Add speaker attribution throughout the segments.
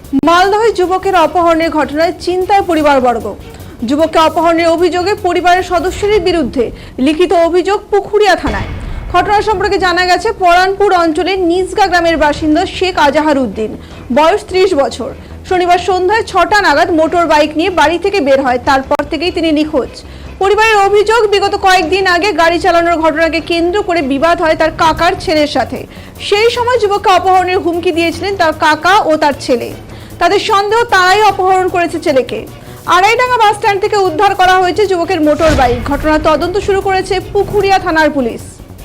Speaker 1: মালদহে যুবকের অপহরণের ঘটনায় চিন্তায় পরিবারবর্গ। যুবককে অপহরণের অভিযোগে পরিবারের সদস্যদের বিরুদ্ধে লিখিত অভিযোগ পুখুরিয়া থানায়। ঘটনা সম্পর্কে জানা গেছে, পরানপুর অঞ্চলের নিজগা গ্রামের বাসিন্দা শেখ আজাহার উদ্দিন, বয়স 30 বছর। শনিবার সন্ধ্যায় 6টা নাগাদ মোটর বাইক নিয়ে বাড়ি থেকে বের হয়। তারপর থেকেই তিনি নিখোঁজ। পরিবারের অভিযোগ, বিগত কয়েকদিন আগে গাড়ি চালানোর ঘটনাকে কেন্দ্র করে বিবাদ হয় তার কাকার ছেলের সাথে। সেই সময় যুবককে অপহরণের হুমকি দিয়েছিলেন তার কাকা ও তার ছেলে। তাদের সন্দেহ, তারাই অপহরণ করেছে ছেলেকে। আড়াইডাঙ্গা বাস স্ট্যান্ড থেকে উদ্ধার করা হয়েছে যুবকের মোটর বাইক। ঘটনার তদন্ত শুরু করেছে পুখুরিয়া থানার পুলিশ।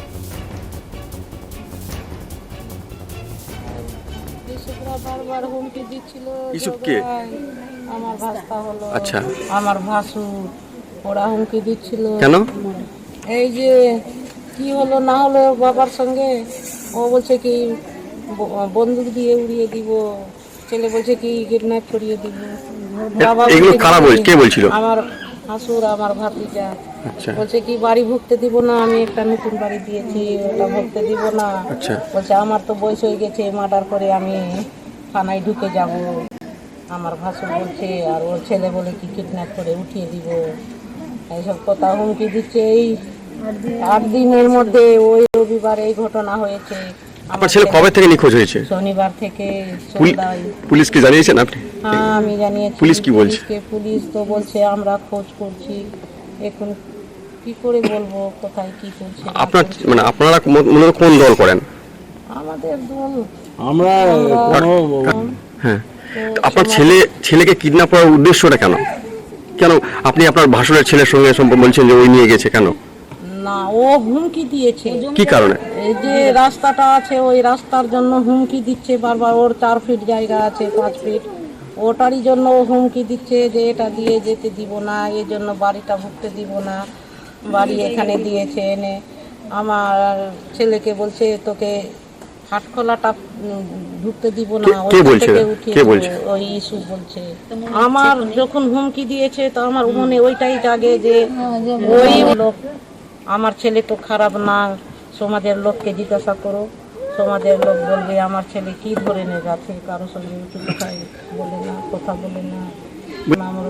Speaker 2: বারবার হুমকি দিচ্ছিল।
Speaker 3: ইসুফকে
Speaker 2: আমার ভাস্তা হলো,
Speaker 3: আচ্ছা,
Speaker 2: আমার ভাসুর, ওরা হুমকি দিচ্ছিল।
Speaker 3: কেন?
Speaker 2: এই যে কি হলো না হলো বাবার সঙ্গে, ও বলছে কি বন্দুক দিয়ে উড়িয়ে দিব, ছেলে বলছে কি কিডন্যাপ করিয়ে দিব। বাবা
Speaker 3: এগুলো কারা বলছে? কে বলছিল?
Speaker 2: আমার ভাসুর, আমার ভাতিজা।
Speaker 3: আচ্ছা,
Speaker 2: বলছে কি বাড়ি ভুগতে দিব না, আমি একটা নতুন বাড়ি দিয়েছি, ওটা ভুগতে দিব না।
Speaker 3: আচ্ছা,
Speaker 2: বলছে আমার তো বয়স হয়ে গেছে, মার্ডার করে আমি থানায় ঢুকে যাব। আমার ভাসুর বলছে, আর ওর ছেলে বলে কি কিডন্যাপ করে উঠিয়ে দিব। এইসব কথা হুমকি দিচ্ছে। এই 8 দিনের মধ্যে ওই রবিবার এই ঘটনা হয়েছে।
Speaker 3: আপনার ছেলে কবে থেকে নিখোঁজ হয়েছে?
Speaker 2: শনিবার থেকে সন্ধ্যায়।
Speaker 3: পুলিশকে জানিয়েছেন আপনি?
Speaker 2: হ্যাঁ, আমি জানিয়েছি।
Speaker 3: পুলিশ কি বলছে?
Speaker 2: পুলিশ তো বলছে আমরা খোঁজ করছি। এখন কি করে বলবো কোথায় কি করছে।
Speaker 3: আপনার মানে আপনারা মূলত কোন দল করেন?
Speaker 2: আমাদের দল
Speaker 4: আমরা
Speaker 3: হ্যাঁ, আপনার ছেলেকে কিডন্যাপ করার উদ্দেশ্যটা কেন? কেন আপনি আপনার ভাসুরের ছেলের সঙ্গে সম্পর্ক বলছেন যে ওই নিয়ে গেছে কেন?
Speaker 2: না, ও হুমকি দিয়েছে।
Speaker 3: কি কারণে?
Speaker 2: এই যে রাস্তাটা আছে, ওই রাস্তার জন্য হুমকি দিচ্ছে বারবার। ওর 4 ফিট জায়গা আছে, 5 ফিট, ওটারই জন্য ও হুমকি দিচ্ছে যে এটা দিয়ে যেতে দিব না, এই জন্য বাড়িটা ভুগতে দিব না। বাড়ি এখানে দিয়েছে এনে আমার ছেলেকে বলছে তোকে হাটখোলাটা ঢুকতে দিব না,
Speaker 3: কে বলছে? কে বলছে?
Speaker 2: ওই ইস্যু বলছে। আমার যখন হুমকি দিয়েছে তো আমার মনে ওইটাই জাগে যে ওই লোক, আমার ছেলে তো খারাপ না, সমাজের লোককে জিজ্ঞাসা করো, সমাজের লোক বলবে আমার ছেলে কি ধরনের আছে, কারো সঙ্গে উঁচু কথায় বলে না, কথা বলে না, আমার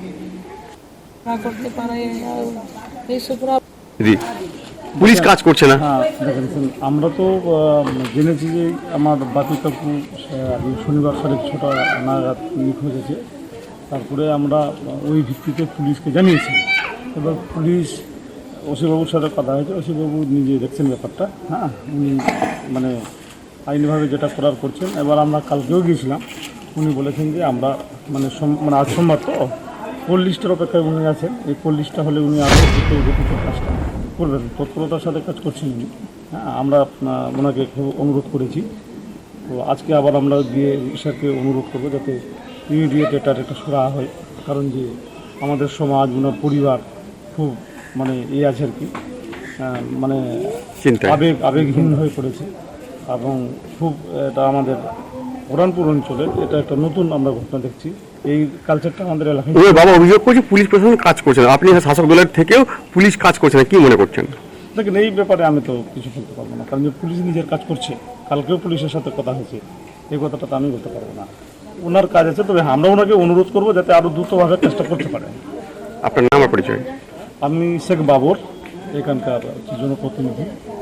Speaker 2: করতে পারে এইসব।
Speaker 3: পুলিশ কাজ করছে না?
Speaker 4: হ্যাঁ, দেখেন আমরা তো জেনেছি যে আমার বাপি কাকু শনিবার 6:30 নাগাদ নিখোঁজ হয়েছে। তারপরে আমরা ওই ভিত্তিতে পুলিশকে জানিয়েছি। এবার পুলিশ ওসিবাবুর সাথে কথা হয়েছে, ওসিবাবু নিজে দেখছেন ব্যাপারটা। হ্যাঁ, উনি মানে আইনিভাবে যেটা করার করছেন। এবার আমরা কালকেও গিয়েছিলাম, উনি বলেছেন যে আমরা মানে আজ সোমবার তো কোল লিস্টের অপেক্ষায় উনি আছেন। এই কোল লিস্টটা হলে উনি আরও গতিতে কাজটা করবেন, তৎপরতার সাথে কাজ করছেন উনি। হ্যাঁ, আমরা ওনাকে খুব অনুরোধ করেছি। তো আজকে আবার আমরা গিয়ে স্যারকে অনুরোধ করবো যাতে ইমিডিয়েট এটার একটা সুরাহা হয়। কারণ যে আমাদের সমাজ, ওনার পরিবার খুব মানে আছে আর কি, মানে আবেগহীন হয়ে পড়েছে। এবং খুব এটা আমাদের পরানপুর অঞ্চলের এটা একটা নতুন আমরা ঘটনা দেখছি। এই কালচারটা আমাদের এলাকায়।
Speaker 3: বাবা অভিযোগ করছে পুলিশ প্রশাসন কাজ করছে না, আপনি শাসক দলের থেকেও পুলিশ কাজ করছে না, কি মনে করছেন?
Speaker 4: দেখেন, এই ব্যাপারে আমি তো কিছু বলতে পারবো না, কারণ যে পুলিশ নিজের কাজ করছে। কালকেও পুলিশের সাথে কথা হয়েছে, এই কথাটা তো আমি বলতে পারবো না। ওনার কাজ আছে, তবে আমরা ওনাকে অনুরোধ করবো যাতে আরও দ্রুতভাবে কাজটা করতে পারে।
Speaker 3: আপনার নাম আর পরিচয়?
Speaker 4: আমি শেখ বাবর, এখানকার জনপ্রতিনিধি।